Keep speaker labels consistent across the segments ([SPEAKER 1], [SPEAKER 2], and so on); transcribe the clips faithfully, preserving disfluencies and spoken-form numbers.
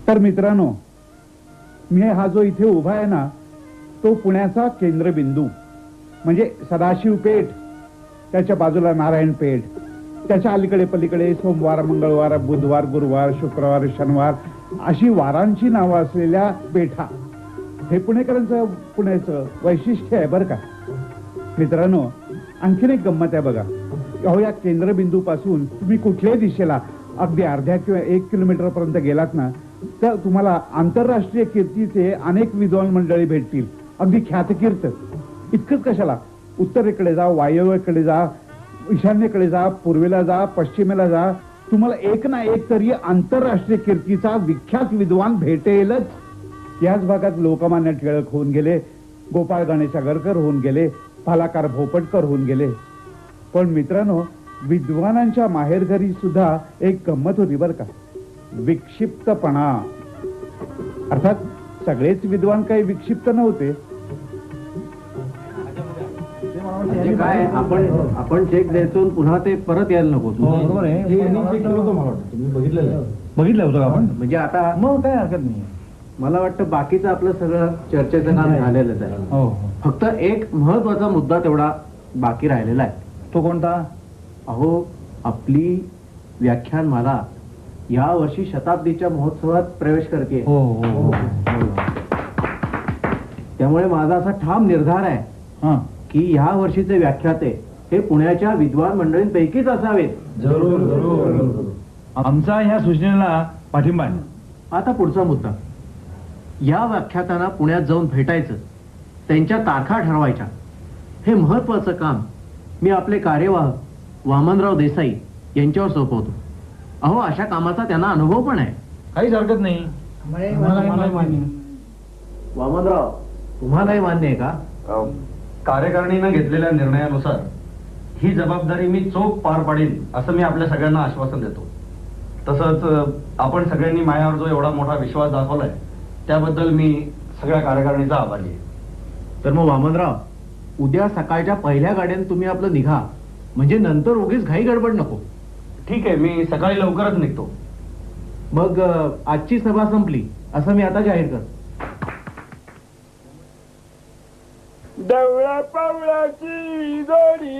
[SPEAKER 1] तर मित्रांनो, मी हा जो इथे उभा आहे ना, तो पुण्याचा केंद्रबिंदू म्हणजे सदाशिव पेठ, त्याच्या बाजूला नारायण पेठ, त्याच्या अलीकडे पलीकडे सोमवार, मंगळवार, बुधवार, गुरुवार, शुक्रवार, शनिवार अशी वारांची नावं असलेल्या पेठा. हे पुणेकरांचं पुण्याचं वैशिष्ट्य आहे बरं का. मित्रांनो, आणखीन एक गंमत आहे बघा. अहो, या केंद्रबिंदू पासून तुम्ही कुठल्याही दिशेला अगदी अर्ध्या किंवा एक किलोमीटर पर्यंत गेलात ना, तर तुम्हाला आंतरराष्ट्रीय कीर्तीचे अनेक विद्वान मंडळी भेटतील. अगदी ख्यातकीर्त. इतकंच कशाला, उत्तरेकडे जा, वायव्येकडे जा, ईशान्येकडे जा, पूर्वेला जा, पश्चिमेला जा, तुम्हाला एक ना एक तरी आंतरराष्ट्रीय कीर्तीचा विख्यात विद्वान भेटेलच. याच भागात लोकमान्य टिळक होऊन गेले, गोपाळ गणेश आगरकर होऊन गेले, भालाकार भोपटकर होऊन गेले. पण मित्रांनो, विद्वानांच्या माहेरघरी सुद्धा एक गंमत होती बरं का. विक्षिप्तपणा. अर्थात सगळेच विद्वान काही विक्षिप्त नव्हते.
[SPEAKER 2] काय आपण आपण चेक द्यायचो पुन्हा ते परत यायला नको.
[SPEAKER 3] बरोबर आहे. तुम्ही बघितलेलं बघितलं होतं आपण.
[SPEAKER 2] म्हणजे आता
[SPEAKER 3] मग काय हरकत नाही.
[SPEAKER 2] मला वाटतं बाकीचं आपलं सगळं चर्चेचं काम झालेलंच आहे.
[SPEAKER 3] हो.
[SPEAKER 2] फक्त एक महत्वाचा मुद्दा तेवढा बाकी राहिलेला आहे.
[SPEAKER 3] तो कोणता?
[SPEAKER 2] अहो, आपली व्याख्यानमाला या वर्षी शताब्दीच्या महोत्सवात प्रवेश करते.
[SPEAKER 3] हो हो.
[SPEAKER 2] त्यामुळे माझा असा ठाम निर्धार आहे
[SPEAKER 3] हा
[SPEAKER 2] की या वर्षीचे व्याख्याते हे पुण्याच्या विद्वान मंडळींपैकीच असावेत.
[SPEAKER 3] जरूर जरूर. आमचा ह्या सूचनेला पाठिंबा आहे.
[SPEAKER 2] आता पुढचा मुद्दा. या व्याख्यातांना पुण्यात जाऊन भेटायचं, त्यांच्या तारखा ठरवायच्या. हे महत्वाचं काम मी आपले कार्यवाह वामनराव देसाई यांच्यावर सोपवतो. अहो, अशा कामाचा त्यांना अनुभव पण आहे.
[SPEAKER 3] काहीच हरकत नाही.
[SPEAKER 2] वामनराव, तुम्हालाही मान्य आहे का?
[SPEAKER 4] कार्यकारिणीनं घेतलेल्या निर्णयानुसार ही जबाबदारी मी चोख पार पाडीन असं मी आपल्या सगळ्यांना आश्वासन देतो. तसंच आपण सगळ्यांनी माझ्यावर जो एवढा मोठा विश्वास दाखवलाय त्याबद्दल मी सगळ्या कार्यकारिणीचा आभारी आहे.
[SPEAKER 2] तर मग वामनराव, उद्या सकाळच्या पहिल्या गाड्याने तुम्ही आपलं निघा, म्हणजे नंतर उगीच घाई गडबड नको.
[SPEAKER 4] ठीक आहे, मी सकाळी लवकरच निघतो.
[SPEAKER 2] मग आजची सभा संपली असं मी आता जाहीर करतो.
[SPEAKER 5] डवळ्या पावळ्याची जोडी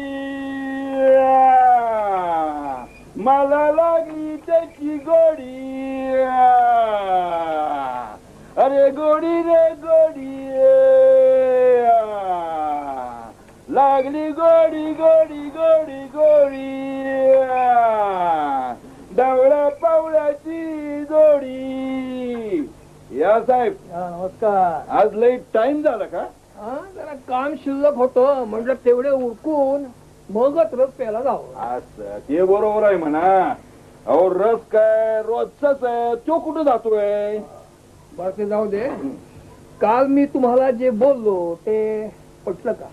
[SPEAKER 5] मला लागली त्याची गोडी. अरे गोडी रे गोडी लागली गोडी गोडी गोडी गोडी डवळ्या पावळ्याची जोडी. या साहेब
[SPEAKER 6] नमस्कार.
[SPEAKER 5] आज लई टाइम झाला का?
[SPEAKER 6] हा, जरा काम शिल्लक होतं, म्हटलं तेवढे उरकून मगच रस प्यायला जावं.
[SPEAKER 5] असं ते बरोबर आहे म्हणा. अहो, रस काय रोजचाच आहे, तो कुठं जातोय?
[SPEAKER 6] बरं, ते जाऊ दे. काल मी तुम्हाला जे बोललो ते पटलं का?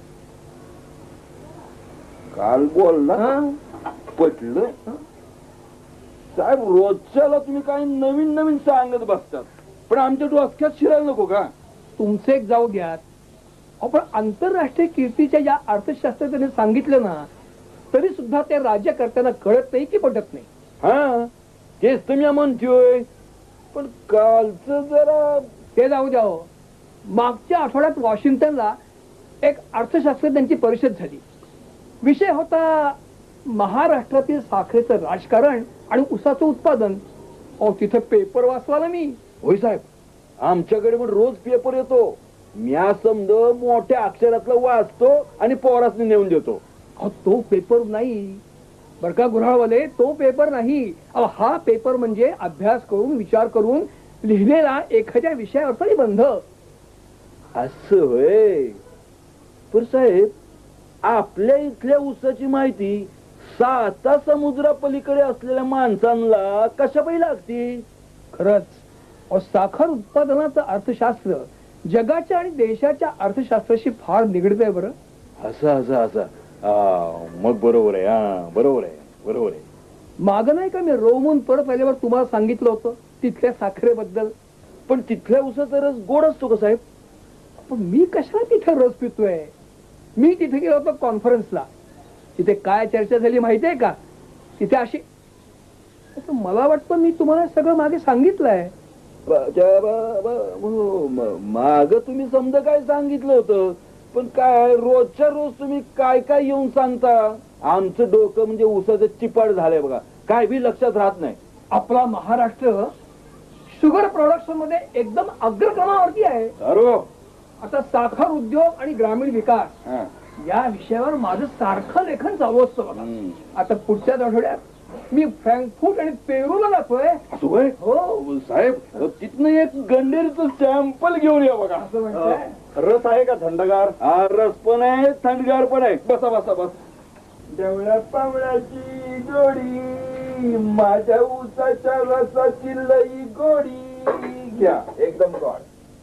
[SPEAKER 5] काल बोलला
[SPEAKER 6] हा?
[SPEAKER 5] पटलं. साहेब, रोजच्याला तुम्ही काही नवीन नवीन सांगत बसतात, पण आमच्या डोसक्यात शिरायला नको का?
[SPEAKER 6] तुमचे एक जाऊ द्यात. आपण आंतरराष्ट्रीय कीर्तीच्या या अर्थशास्त्रज्ञाने सांगितलं ना, तरी सुद्धा ते राज्यकर्त्यांना कळत नाही की पटत नाही.
[SPEAKER 5] हा, तेच तर मी म्हणतोय. पण कालचं जरा
[SPEAKER 6] ते जाऊ द्या हो. मागच्या आठवड्यात वॉशिंग्टनला एक अर्थशास्त्रज्ञांची परिषद झाली. विषय होता महाराष्ट्रातील साखरेचं राजकारण आणि ऊसाचं उत्पादन. अहो, तिथे पेपर वाचला मी.
[SPEAKER 5] होय साहेब, आमच्याकडे पण रोज पेपर येतो. मी समज मोठ्या अक्षरातला वाचतो आणि पोरासनी नेऊन देतो.
[SPEAKER 6] अहो, तो पेपर नाही बर का गुऱ्हाळवाले, तो पेपर नाही. अहो, हा पेपर म्हणजे अभ्यास करून विचार करून लिहिलेला एखाद्या विषयावरचा निबंध.
[SPEAKER 5] असं होय. पण साहेब, आपल्या इथल्या ऊसाची माहिती साता समुद्रा पलीकडे असलेल्या माणसांना कशा पाहिजे लागती?
[SPEAKER 6] खरंच. अहो, साखर उत्पादनाचं अर्थशास्त्र जगाच्या आणि देशाच्या अर्थशास्त्राशी फार निगडित आहे. बरं,
[SPEAKER 5] असं असं असं मग बरोबर आहे. हा, बरोबर आहे बरोबर आहे.
[SPEAKER 6] माग नाही का मी रोमून परत आल्यावर तुम्हाला सांगितलं होतं तिथल्या साखरेबद्दल.
[SPEAKER 5] पण तिथल्या ऊसाचा रस गोड असतो का साहेब?
[SPEAKER 6] पण मी कशाला तिथे रस पितोय? मी तिथे गेलो होतो कॉन्फरन्सला. तिथे काय चर्चा झाली माहितीये का? तिथे अशी, मला वाटतं मी तुम्हाला सगळं मागे सांगितलंय.
[SPEAKER 5] माग तुम्ही समजा काय सांगितलं होतं, पण काय रोजच्या रोज तुम्ही काय काय येऊन सांगता. आमचं डोकं म्हणजे उसाचं चिपाड झालंय बघा, काय बी लक्षात राहत नाही.
[SPEAKER 6] आपला महाराष्ट्र शुगर प्रोडक्शन मध्ये एकदम अग्रक्रमावरती आहे.
[SPEAKER 5] अरे
[SPEAKER 6] आता साखर उद्योग आणि ग्रामीण विकास
[SPEAKER 5] हा.
[SPEAKER 6] या विषयावर माझं सारखं लेखन चालू असतं बघा.
[SPEAKER 5] हम्म.
[SPEAKER 6] आता पुढच्याच आठवड्यात मी फ्रँकफूट आणि पेरूला जातोय.
[SPEAKER 5] असं होय?
[SPEAKER 6] हो
[SPEAKER 5] साहेब तिथनं एक गंडेरीचं सॅम्पल घेऊन या बघा.
[SPEAKER 6] असं म्हणताय?
[SPEAKER 5] रस आहे का थंडगार? हा, रस पण आहे, थंडगार पण आहे. बसा बसा बस. देवळा पावळाची जोडी, माझ्या उसाच्या रसाची लई गोडी, घ्या एकदम गोड.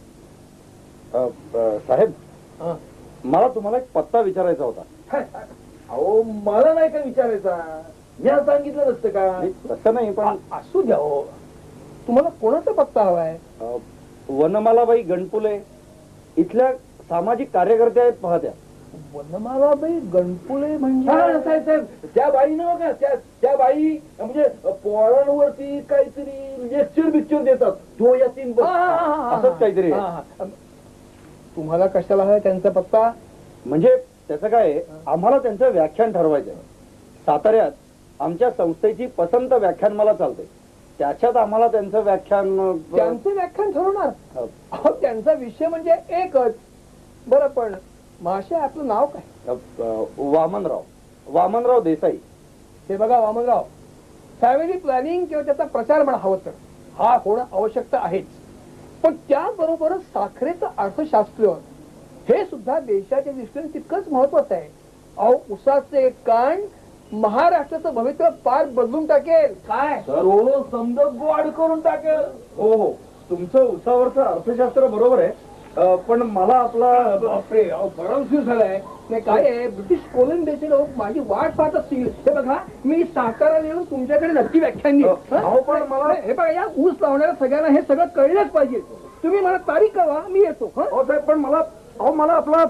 [SPEAKER 5] अ, अ, साहेब
[SPEAKER 6] हा.
[SPEAKER 5] मला तुम्हाला एक पत्ता विचारायचा होता.
[SPEAKER 6] अहो मला नाही का विचारायचा,
[SPEAKER 5] मी सांगितलं नसतं का? तसं नाही, पण
[SPEAKER 6] आ- असू द्या हो. तुम्हाला कोणाचा पत्ता हवाय?
[SPEAKER 5] अ, वनमालाबाई गणपुले इथल्या सामाजिक कार्यकर्त्या आहेत पाहत्या.
[SPEAKER 6] वनमालाबाई गणपुले म्हणजे?
[SPEAKER 5] साहेब साहेब त्या बाई नव्ह का, त्या त्या बाई म्हणजे पोरांवरती काहीतरी लेक्चर बिक्चर देतात. तो या तीन
[SPEAKER 6] हा, हा, हा, हा.
[SPEAKER 5] असंच काहीतरी आहे.
[SPEAKER 6] हा, हा. तुम्हाला कशाला हवाय त्यांचा पत्ता?
[SPEAKER 5] म्हणजे त्याचं काय आहे, आम्हाला त्यांचं व्याख्यान ठरवायचं आहे. साताऱ्यात आमच्या संस्थेची पसंत व्याख्यान मला चालते, त्याच्यात आम्हाला त्यांचं व्याख्यान अ,
[SPEAKER 6] त्यांचं व्याख्यान ठरवणार?
[SPEAKER 5] अ,
[SPEAKER 6] अहो त्यांचा विषय म्हणजे एकच. बरं पण माशे आपलं नाव काय?
[SPEAKER 5] अ, वामनराव वामनराव देसाई.
[SPEAKER 6] हे बघा वामनराव, फॅमिली प्लॅनिंग किंवा त्याचा प्रचार म्हणा हवं तर हा होणं आवश्यकता आहेच, पण त्याबरोबरच साखरेचं अर्थशास्त्र हे सुद्धा देशाच्या दृष्टीने तितकंच महत्वाचं आहे. अहो उसाचे एक कांड महाराष्ट्राचं भवितव्य पार बदलून टाकेल. काय
[SPEAKER 5] सर्व समजा गोड करून टाकेल. हो हो, तुमचं उसावरचं अर्थशास्त्र बरोबर आहे, अ, पण मला आपला
[SPEAKER 6] बापरे, अहो बरं झालाय. नाही काय आहे, ब्रिटिश कोलंबियाचे लोक माझी वाट पाहत असतील. हे बघा मी सातारा येऊन तुमच्याकडे नक्की व्याख्यान देईन. हं?
[SPEAKER 5] अहो, पण मला-
[SPEAKER 6] हे बघा या ऊस लावणाऱ्या सगळ्यांना हे सगळं कळलंच पाहिजे. तुम्ही मला तारीख कळवा, मी येतो. हं?
[SPEAKER 5] अहो साहेब, पण मला अहो मला आपला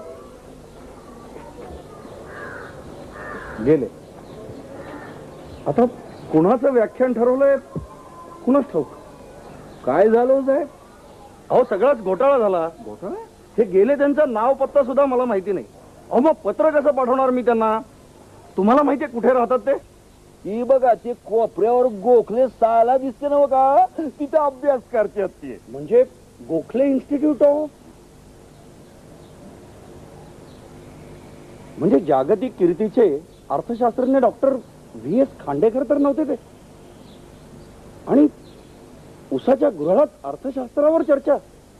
[SPEAKER 5] गेले आता कुणाचं व्याख्यान ठरवलंय कुणाच ठाऊक. काय झालं हो साहेब? अहो सगळाच घोटाळा झाला. घोटाळा? हे गेले, त्यांचं नाव पत्ता सुद्धा मला माहिती नाही. अहो मग पत्र कसं पाठवणार मी त्यांना? तुम्हाला माहितीये कुठे राहतात ते? ही बघा ते कोपऱ्यावर गोखले साला दिसते ना बघा, तिथे अभ्यास करतात ते. म्हणजे गोखले इन्स्टिट्यूट ऑफ, म्हणजे जागतिक कीर्तीचे अर्थशास्त्रज्ञ डॉक्टर व्ही एस खांडेकर तर नव्हते ते? आणि उसाच्या गृहात अर्थशास्त्रावर चर्चा.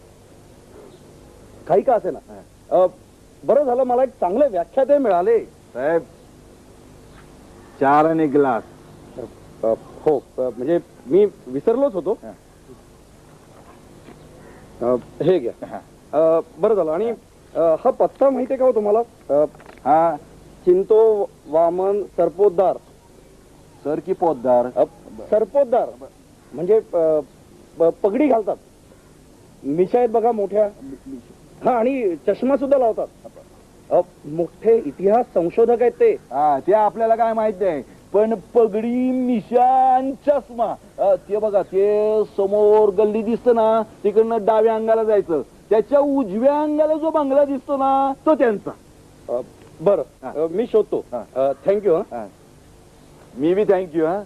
[SPEAKER 5] काही का असे ना, बरं झालं मला एक चांगले व्याख्याते मिळाले. साहेब चार आणि ग्लास. हो, अ, म्हणजे मी विसरलोच होतो. अ, हे घ्या. अ, बरं झालं. आणि अ, हा पत्ता माहिती आहे का हो तुम्हाला? अ, हा चिंतो वामन सरपोतदार. सर की पोतदार? सरपोतदार म्हणजे अ, प- पगडी घालतात, मिशा आहेत बघा मोठ्या, हा, आणि चष्मा सुद्धा लावतात. अ, मोठे इतिहास संशोधक आहेत ते. ते आपल्याला काय माहित आहे, पण पगडी मिशा आणि चष्मा, अ, ते बघा ते समोर गल्ली दिसतं ना, तिकडनं डाव्या अंगाला जायचं, त्याच्या उजव्या अंगाला जो बंगला दिसतो ना तो त्यांचा. अ, बरं, अ, मी शोधतो. थँक्यू. हा, मी बी थँक्यू. हा,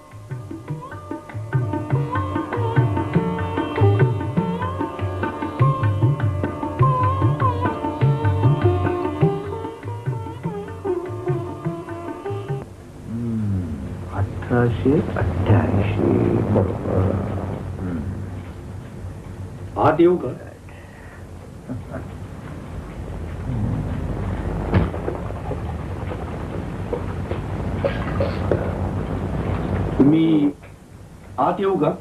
[SPEAKER 2] अठराशे अठ्ठ्याऐंशी बरोबर.
[SPEAKER 4] आत येऊ का? मी आत येऊ का?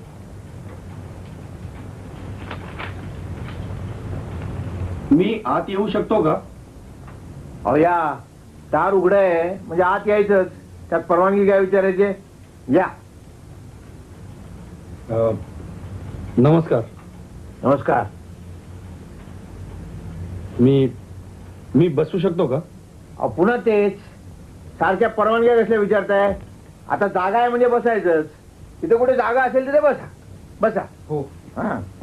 [SPEAKER 4] मी आत येऊ शकतो का?
[SPEAKER 3] अहो या, दार उघड आहे म्हणजे आत यायचंच, त्यात परवानगी काय विचारायचे? या.
[SPEAKER 5] नमस्कार.
[SPEAKER 3] नमस्कार.
[SPEAKER 5] मी मी बसू शकतो का?
[SPEAKER 3] अहो पुन्हा तेच, सारख्या परवानग्या कसल्या विचारताय? आता जागा आहे म्हणजे बसायचंच. तिथे कुठे जागा असेल तिथे बसा. बसा.
[SPEAKER 5] हो.
[SPEAKER 3] हा.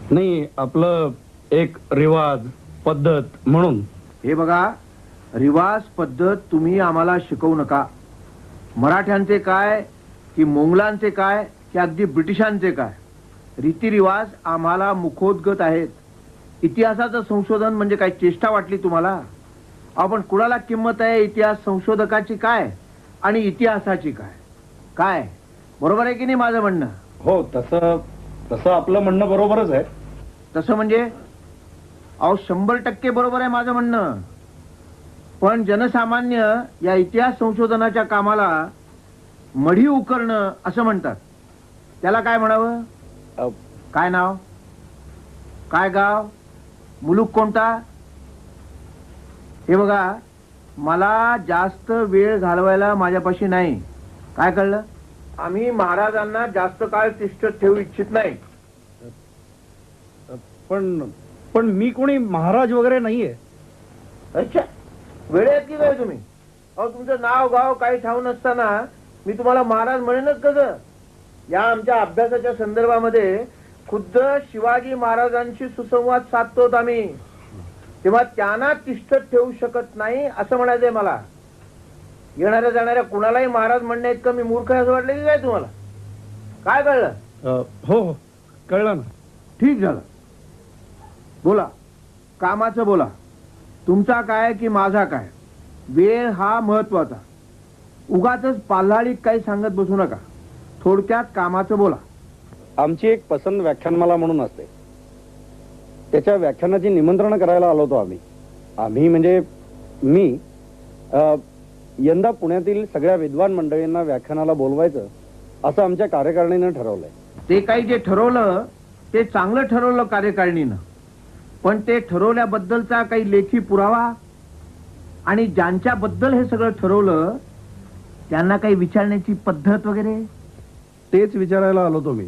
[SPEAKER 4] नाही आपलं एक रिवाज पद्धत म्हणून.
[SPEAKER 3] हे बघा, रिवाज पद्धत तुम्ही आम्हाला शिकवू नका. मराठ्यांचे काय की मोंगलांचे काय की अगदी ब्रिटिशांचे काय, रीतिरिवाज आम्हाला मुखोद्गत आहेत. इतिहासाचं संशोधन म्हणजे काय चेष्टा वाटली तुम्हाला? आपण कुणाला किंमत आहे इतिहास संशोधकाची काय आणि इतिहासाची काय? काय बरोबर आहे की नाही माझं म्हणणं?
[SPEAKER 4] हो, तसं तसं आपलं म्हणणं बरोबरच आहे.
[SPEAKER 3] तसं म्हणजे अहो शंभर टक्के बरोबर आहे माझं म्हणणं. पण जनसामान्य या इतिहास संशोधनाच्या कामाला मढी उकरणं असं म्हणतात. त्याला काय म्हणावं?
[SPEAKER 4] अ,
[SPEAKER 3] काय नाव, काय गाव, मुलूक कोणता? हे बघा, मला जास्त वेळ घालवायला माझ्यापाशी नाही. काय कळलं? आम्ही महाराजांना जास्त काळ तिष्ठत ठेवू इच्छित नाही.
[SPEAKER 4] पण पण मी कोणी महाराज वगैरे नाहीये.
[SPEAKER 3] अच्छा, वेळेत की काय तुम्ही? अहो तुमचं नाव गाव काही ठाऊक नसताना मी तुम्हाला महाराज म्हणेनच कसं? या आमच्या अभ्यासाच्या संदर्भामध्ये खुद्द शिवाजी महाराजांशी सुसंवाद साधतो आम्ही, तेव्हा त्यांना तिष्ठत ठेवू शकत नाही असं म्हणायचंय मला. येणाऱ्या जाणाऱ्या कुणालाही महाराज म्हणण्या इतकं मी मूर्ख आहे असं वाटलं की काय तुम्हाला? काय कळलं?
[SPEAKER 4] अ, हो हो कळलं ना.
[SPEAKER 3] ठीक झालं. बोला, कामाचं बोला. तुमचा काय की माझा काय? वेळ हा महत्वाचा. उगाचच पाल्हाळीत काही सांगत बसू नका. थोडक्यात कामाचं बोला.
[SPEAKER 5] आमची एक पसंत व्याख्यानमाला म्हणून असते, त्याच्या व्याख्यानाची निमंत्रण करायला आलो होतो आम्ही. आम्ही म्हणजे मी अ, यंदा पुण्यातील सगळ्या विद्वान मंडळींना व्याख्यानाला बोलवायचं असं आमच्या कार्यकारिणीनं ठरवलंय.
[SPEAKER 3] ते काही जे ठरवलं ते चांगलं ठरवलं कार्यकारिणीनं, पण ते ठरवल्याबद्दलचा काही लेखी पुरावा आणि ज्यांच्याबद्दल हे सगळं ठरवलं त्यांना काही विचारण्याची पद्धत वगैरे?
[SPEAKER 5] तेच विचारायला आलो होतो मी.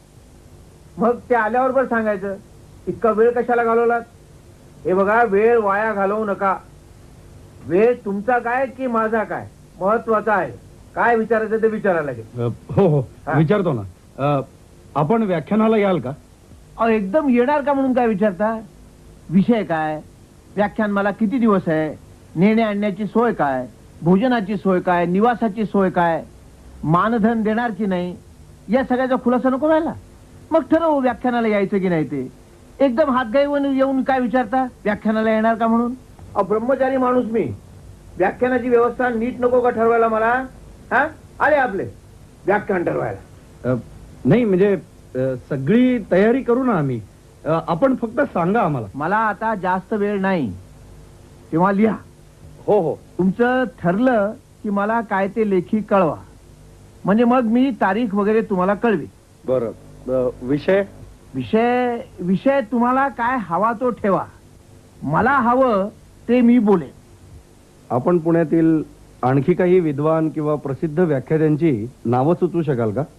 [SPEAKER 3] मग ते आल्यावर पण सांगायचं. इतका वेळ कशाला घालवलात? हे बघा, वेळ वाया घालवू नका. वेळ तुमचा काय की माझा काय महत्वाचा आहे. काय विचारायचं ते विचारायला लागेल.
[SPEAKER 4] अ, हो हो
[SPEAKER 3] हा.
[SPEAKER 4] विचारतो ना. अ, आपण व्याख्यानाला याल का?
[SPEAKER 3] अहो एकदम येणार का म्हणून काय विचारता? विषय काय, व्याख्यान मला किती दिवस आहे, नेणे आणण्याची सोय काय, भोजनाची सोय काय, निवासाची सोय काय, मानधन देणार की नाही, या सगळ्याचा खुलासा नको व्हायला? मग ठरवू व्याख्यानाला यायचं की नाही ते. एकदम हातगाईवर येऊन काय विचारता व्याख्यानाला येणार का म्हणून? अहो ब्रह्मचारी माणूस मी. व्याख्यानाची व्यवस्था नीट नको का ठरवायला मला? हा, आले आपले व्याख्यान ठरवायला.
[SPEAKER 4] अ, नाही म्हणजे अ, सगळी तयारी करू ना आम्ही. अ, आपण फक्त सांगा आम्हाला.
[SPEAKER 3] मला आता जास्त वेळ नाही, तेव्हा लिहा.
[SPEAKER 5] हो हो
[SPEAKER 3] तुमचं ठरलं की मला काय ते लेखी कळवा, म्हणजे मग मी तारीख वगैरे तुम्हाला कळवी.
[SPEAKER 5] बरं. अ, विषय
[SPEAKER 3] विषय विषय तुम्हाला काय हवा तो ठेवा. मला हवं ते मी बोलेन.
[SPEAKER 5] आपण पुण्यातील आणखी काही विद्वान किंवा प्रसिद्ध व्याख्यात्यांची नावं सुचवू शकाल का?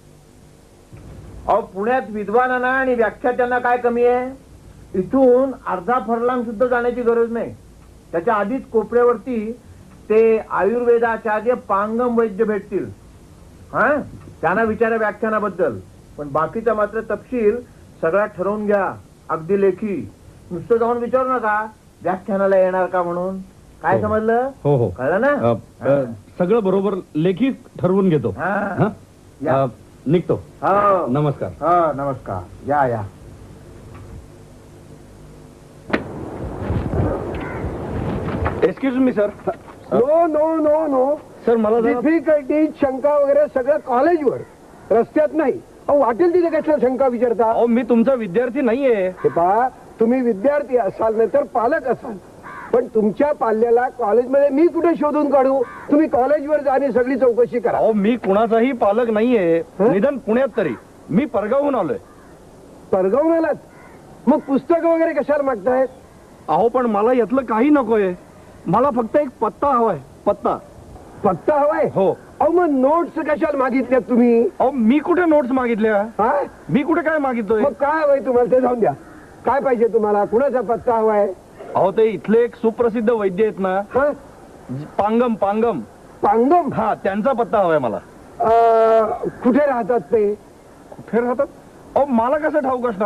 [SPEAKER 3] अहो पुण्यात विद्वानांना आणि व्याख्यात्यांना काय कमी आहे? इथून अर्धा फरलांग सुद्धा जाण्याची गरज नाही. त्याच्या आधीच कोपऱ्यावरती ते आयुर्वेदाचार्य पांगम वैद्य भेटतील. हा, त्यांना विचारा व्याख्यानाबद्दल. पण बाकीचा मात्र तपशील सगळा ठरवून घ्या, अगदी लेखी. नुसतं जाऊन विचारू नका व्याख्यानाला येणार का म्हणून. काय समजलं?
[SPEAKER 4] हो हो
[SPEAKER 3] कळलं ना?
[SPEAKER 4] अ, अ, सगळं बरोबर लेखी ठरवून घेतो.
[SPEAKER 3] हा.
[SPEAKER 4] हा?
[SPEAKER 3] या.
[SPEAKER 4] अ, निघतो.
[SPEAKER 3] हो.
[SPEAKER 4] नमस्कार.
[SPEAKER 3] हा, नमस्कार. या या.
[SPEAKER 5] Excuse me sir.
[SPEAKER 6] No no no no
[SPEAKER 5] sir मला जरा-
[SPEAKER 6] डिफिकल्टी शंका वगैरे सगळं कॉलेजवर, रस्त्यात नाही. अहो वाटेल तिथे कशाला शंका विचारता?
[SPEAKER 5] अहो मी तुमचा विद्यार्थी नाहीये.
[SPEAKER 6] हे पहा, तुम्ही विद्यार्थी असाल नाही तर पालक असाल, पण तुमच्या पाल्याला कॉलेजमध्ये मी कुठे शोधून काढू? तुम्ही कॉलेजवर जा आणि सगळी चौकशी करा.
[SPEAKER 5] अहो मी कुणाचाही पालक नाहीये.
[SPEAKER 6] हं?
[SPEAKER 5] निदान पुण्यात तरी. मी परगावहून आलोय.
[SPEAKER 6] परगावून आलात? मग पुस्तक वगैरे कशाला मागतायत?
[SPEAKER 5] अहो पण मला यातलं काही नकोय. मला फक्त एक पत्ता हवाय. पत्ता.
[SPEAKER 6] पत्ता हवाय?
[SPEAKER 5] हो.
[SPEAKER 6] अहो मग नोट्स कशाला मागितल्यात तुम्ही?
[SPEAKER 5] अहो मी कुठे नोट्स मागितल्या?
[SPEAKER 6] हा,
[SPEAKER 5] मी कुठे काय मागितलोय?
[SPEAKER 6] मग काय हवंय तुम्हाला ते जाऊन द्या. काय पाहिजे तुम्हाला? कुणाचा पत्ता हवाय?
[SPEAKER 5] अहो ते इथले एक सुप्रसिद्ध वैद्य आहेत ना,
[SPEAKER 6] हा,
[SPEAKER 5] पांगम पांगम.
[SPEAKER 6] पांगम.
[SPEAKER 5] हा, त्यांचा पत्ता हवाय मला.
[SPEAKER 6] अं, कुठे राहतात ते?
[SPEAKER 5] कुठे राहतात? अहो मला कसं ठाऊक असणार?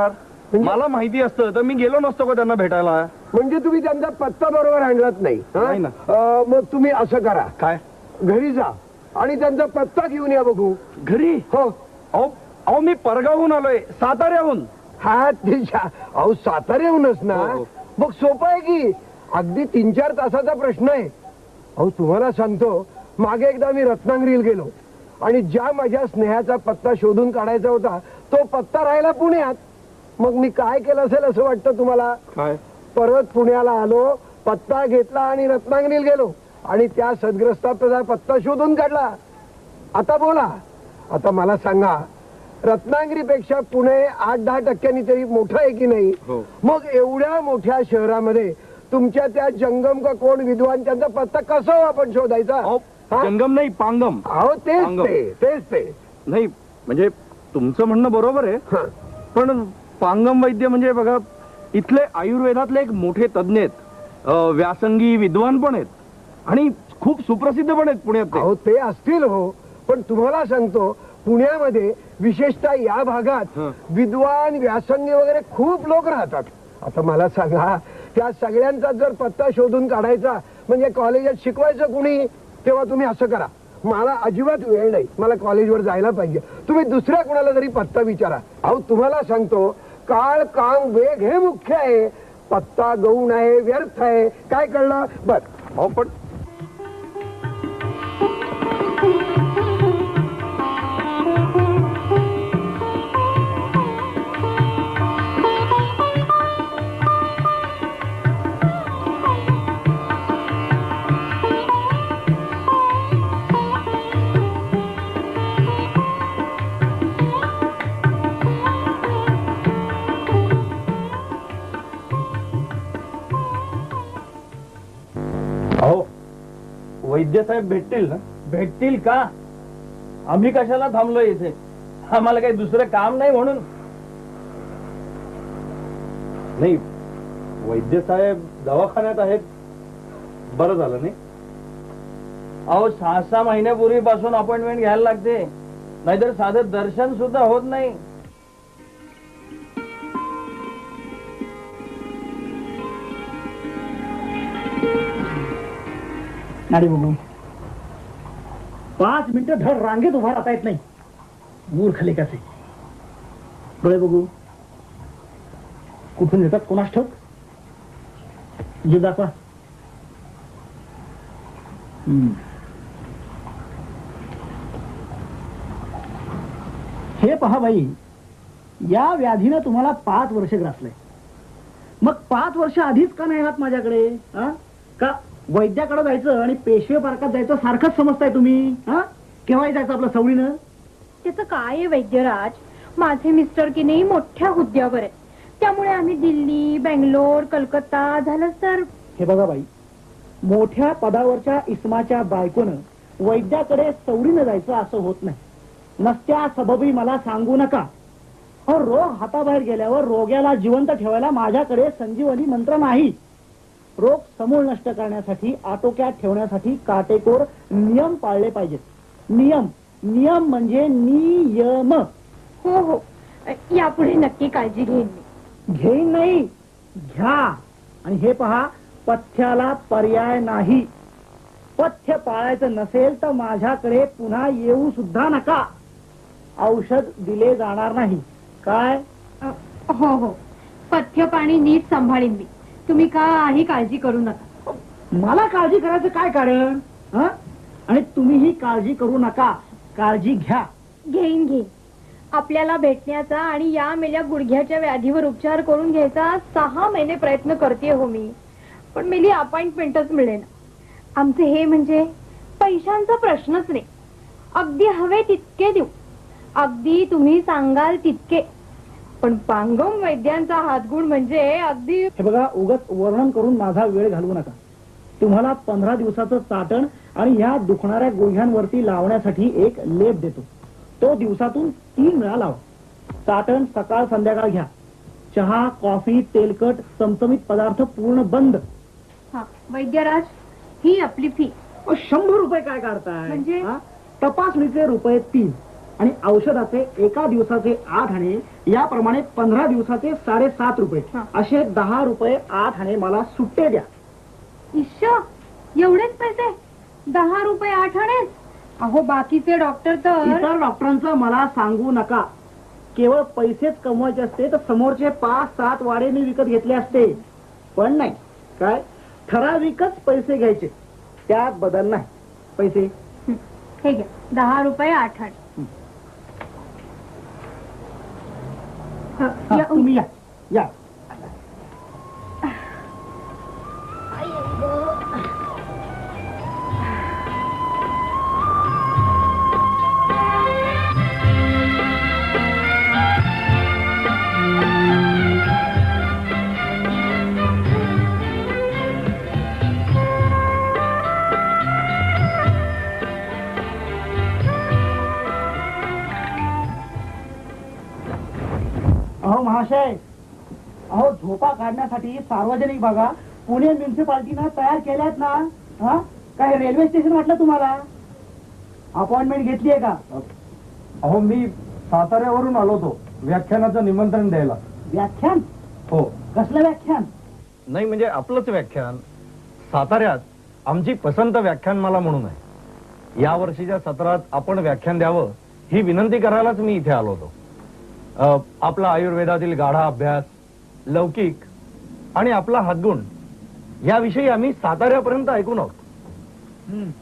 [SPEAKER 5] मला माहिती असतं तर मी गेलो नसतो का त्यांना भेटायला.
[SPEAKER 7] म्हणजे तुम्ही त्यांचा पत्ता बरोबर आणलात नाही हा?
[SPEAKER 5] नाही ना.
[SPEAKER 7] अं, मग तुम्ही असं करा,
[SPEAKER 5] काय
[SPEAKER 7] घरी जा आणि त्यांचा पत्ता घेऊन या बघू.
[SPEAKER 5] घरी?
[SPEAKER 7] हो.
[SPEAKER 5] अहो अहो मी परगावहून आलोय, साताऱ्याहून.
[SPEAKER 7] हा ते शा- अहो साताऱ्याहूनच ना.
[SPEAKER 5] हो, हो.
[SPEAKER 7] मग सोपं आहे की, अगदी तीन चार तासाचा प्रश्न आहे. अहो तुम्हाला सांगतो, मागे एकदा मी रत्नागिरीला गेलो आणि ज्या माझ्या स्नेहाचा पत्ता शोधून काढायचा होता तो पत्ता राहिला पुण्यात. मग मी काय केलं असेल असं वाटतं तुम्हाला?
[SPEAKER 5] काय?
[SPEAKER 7] परत पुण्याला आलो, पत्ता घेतला आणि रत्नागिरीला गेलो आणि त्या सदग्रस्ताचा पत्ता शोधून काढला. आता बोला, आता मला सांगा, रत्नागिरीपेक्षा पुणे आठ दहा टक्क्यांनी तरी मोठं आहे की नाही?
[SPEAKER 5] हो.
[SPEAKER 7] मग एवढ्या मोठ्या शहरामध्ये तुमच्या त्या जंगम का कोण विद्वान त्यांचा पत्ता कसा हो आपण शोधायचा?
[SPEAKER 5] अहो
[SPEAKER 7] हा?
[SPEAKER 5] जंगम नाही, पांगम.
[SPEAKER 7] अहो तेच
[SPEAKER 5] पांगम.
[SPEAKER 7] ते तेच ते
[SPEAKER 5] नाही म्हणजे तुमचं म्हणणं बरोबर आहे,
[SPEAKER 7] हा.
[SPEAKER 5] पण पांगम वैद्य म्हणजे बघा, इथले आयुर्वेदातले एक मोठे तज्ञ आहेत, अं, व्यासंगी विद्वान पण आहेत आणि खूप सुप्रसिद्ध पण आहेत पुण्यात ते.
[SPEAKER 7] अहो ते असतील हो, पण तुम्हाला सांगतो, पुण्यामध्ये विशेषतः या भागात
[SPEAKER 5] हं.
[SPEAKER 7] विद्वान व्यासंगी वगैरे खूप लोक राहतात. आता मला सांगा, त्या सगळ्यांचा जर पत्ता शोधून काढायचा म्हणजे कॉलेजात शिकवायचं कुणी, तेव्हा तुम्ही असं करा, मला अजिबात वेळ नाही, मला कॉलेजवर जायला पाहिजे, तुम्ही दुसऱ्या कुणाला तरी पत्ता विचारा. अहो तुम्हाला सांगतो, काळ काम वेग हे मुख्य आहे, पत्ता गौण आहे, व्यर्थ आहे, काय कळलं? बर.
[SPEAKER 5] अहो पण
[SPEAKER 4] अहो वैद्य साहेब भेटतील ना?
[SPEAKER 3] भेटतील का? आम्ही कशाला थांबलोय इथे? आम्हाला काही दुसरं काम नाही म्हणून.
[SPEAKER 4] नाही, वैद्य साहेब दवाखान्यात आहेत, बरं झालं नाही?
[SPEAKER 3] अहो सहा सहा महिन्यापूर्वीपासून अपॉइंटमेंट घ्यायला लागते, नाहीतर साधं दर्शन सुद्धा होत नाही.
[SPEAKER 8] नाडी बघू, पाच मिनिटं धड रांगेत उभा राहता येत नाही, मूर्ख लेखाचे. डोळे बघू, कुठून येतात कोणास ठाऊक. जीव दाखवा. हम्म. हे पहा बाई, या व्याधीनं तुम्हाला पाच वर्ष ग्रासलंय. मग पाच वर्ष आधीच का नाही आहात माझ्याकडे? हा? का वैद्याकडे जायचं आणि पेशवे पार्कात जायचं सारखंच समजताय तुम्ही? हा? केव्हाही जायचं आपलं सवडीनं?
[SPEAKER 9] त्याचं काय आहे वैद्यराज, माझे मिस्टर की नाही मोठ्या हुद्द्यावर आहेत, त्यामुळे आम्ही दिल्ली, बेंगलोर, कलकत्ता झालं तर.
[SPEAKER 8] हे बघा बाई, मोठ्या पदावरच्या इस्माच्या बायकोनं वैद्याकडे सवडीनं जायचं असं होत नाही. नसत्या सबबी मला सांगू नका. हो, रोग हाताबाहेर गेल्यावर रोग्याला जिवंत ठेवायला माझ्याकडे संजीवनी मंत्र नाही. रोग समूळ नष्ट करण्यासाठी, आटोक्यात ठेवण्यासाठी काटेकोर नियम पाळले पाहिजेत. नियम नियम म्हणजे नियम.
[SPEAKER 9] हो हो, यापुढे नक्की काळजी घेईन मी.
[SPEAKER 8] घेईन नाही, घ्या. आणि हे पहा, पथ्याला पर्याय नाही. पथ्य पाळायचं नसेल तर माझ्याकडे पुन्हा येऊ सुद्धा नका. औषध दिले जाणार नाही. काय?
[SPEAKER 9] अ, हो हो, पथ्य पाणी नीट सांभाळीन मी, तुम्ही काही काळजी करू नका.
[SPEAKER 8] मला काळजी करायचं काय कारण? हं? आणि तुम्हीही काळजी करू नका, काळजी घ्या.
[SPEAKER 9] घेईन घेईन. आपल्याला भेटण्याचा आणि या मेल्या गुडघ्याच्या व्याधीवर उपचार करून घ्यायचा सहा महिने प्रयत्न करते हो मी, पण मेली अपॉइंटमेंटच मिळेना. आमचे हे म्हणजे पैशांचा प्रश्नच नाही, अगदी हवे तितके देऊ, अगदी तुम्ही सांगाल तितके. पण पांगम वैद्यांचा हातगुण म्हणजे अगदी.
[SPEAKER 8] हे बघा, उगाच वर्णन करून माझा वेळ घालवू नका. तुम्हाला पंधरा दिवसाचं चाटण आणि ह्या दुखणाऱ्या गुडघ्यांवरती लावण्यासाठी एक लेप देतो. तो दिवसातून तीन वेळा लावा. चाटण सकाळ संध्याकाळ घ्या. चहा, कॉफी, तेलकट, चमचमीत पदार्थ पूर्ण बंद.
[SPEAKER 9] हा वैद्यराज, ही आपली फी.
[SPEAKER 8] अहो, शंभर रुपये काय काढताय?
[SPEAKER 9] म्हणजे?
[SPEAKER 8] हा? तपासणीचे रुपये तीन आणि औषधाचे एका दिवसाचे आठ आणे, याप्रमाणे पंधरा दिवसाचे साडेसात रुपये,
[SPEAKER 9] हा.
[SPEAKER 8] असे दहा रुपये आठ आणे मला सुट्टे द्या.
[SPEAKER 9] इश्श, एवढेच पैसे? दहा रुपये आठ आणे? अहो बाकीचे डॉक्टर तर
[SPEAKER 8] इतर डॉक्टरांचं मला सांगू नका. केवळ पैसेच कमवायचे असते तर समोरचे पाच सात वाडे मी विकत घेतले असते, पण नाही. काय ठराविकच पैसे घ्यायचे, त्यात बदल नाही. पैसे
[SPEAKER 9] हं, हे घ्या दहा रुपये आठ आणे. ह,
[SPEAKER 8] हा,
[SPEAKER 9] या,
[SPEAKER 8] तुम्ही या या. अहो महाशय, अहो झोपा काढण्यासाठी सार्वजनिक भागा पुणे म्युन्सिपाल्टीनं तयार केल्यात ना. हा, काय रेल्वे स्टेशन वाटलं तुम्हाला? अपॉइंटमेंट घेतली आहे का?
[SPEAKER 5] अहो मी साताऱ्यावरून आलो होतो व्याख्यानाचं निमंत्रण द्यायला.
[SPEAKER 8] व्याख्यान?
[SPEAKER 5] हो.
[SPEAKER 8] कसलं व्याख्यान?
[SPEAKER 5] नाही म्हणजे आपलंच व्याख्यान. साताऱ्यात आमची पसंत व्याख्यानमाला म्हणून आहे. या वर्षीच्या सत्रात आपण व्याख्यान द्यावं ही विनंती करायलाच मी इथे आलो होतो. अ, आपला आयुर्वेदातील गाढा अभ्यास, लौकिक आणि आपला हातगुण याविषयी आम्ही साताऱ्यापर्यंत ऐकून आहोत.
[SPEAKER 8] हं.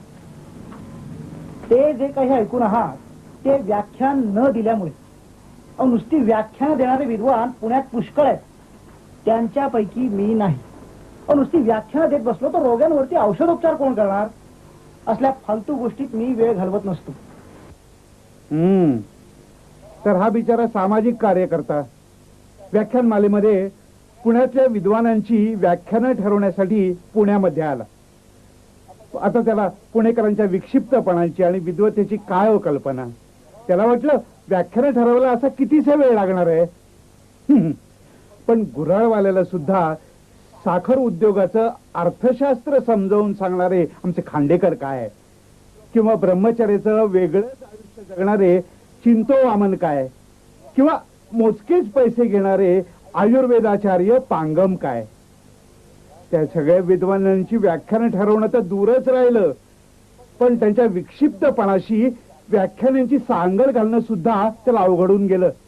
[SPEAKER 8] ते जे काही ऐकून आहात ते व्याख्यान न दिल्यामुळे. अहो नुसती व्याख्यान देणारे विद्वान पुण्यात पुष्कळ आहेत, त्यांच्यापैकी मी नाही. अहो नुसती व्याख्यान देत बसलो तर रोग्यांवरती औषधोपचार कोण करणार? असल्या फालतू गोष्टीत मी वेळ घालवत नसतो.
[SPEAKER 1] हम्म तर हा बिचारा सामाजिक कार्यकर्ता व्याख्यानमालेमध्ये पुण्यातल्या विद्वानांची व्याख्यानं ठरवण्यासाठी पुण्यामध्ये आला. आता त्याला पुणेकरांच्या विक्षिप्तपणाची आणि विद्वतेची काय हो कल्पना. त्याला वाटलं व्याख्यानं ठरवायला असा कितीसा वेळ लागणार आहे. हम्म. पण गुऱ्हाळवाल्याला सुद्धा साखर उद्योगाचं अर्थशास्त्र समजावून सांगणारे आमचे खांडेकर काय, किंवा ब्रह्मचर्याचं वेगळंच आयुष्य जगणारे चिंतो वामन काय, किंवा मोजकेच पैसे घेणारे आयुर्वेदाचार्य पांगम काय. त्या सगळ्या विद्वानांची व्याख्यानं ठरवणं तर दूरच राहिलं, पण त्यांच्या विक्षिप्तपणाशी व्याख्यानांची सांगड घालणं सुद्धा त्याला अवघडून गेलं.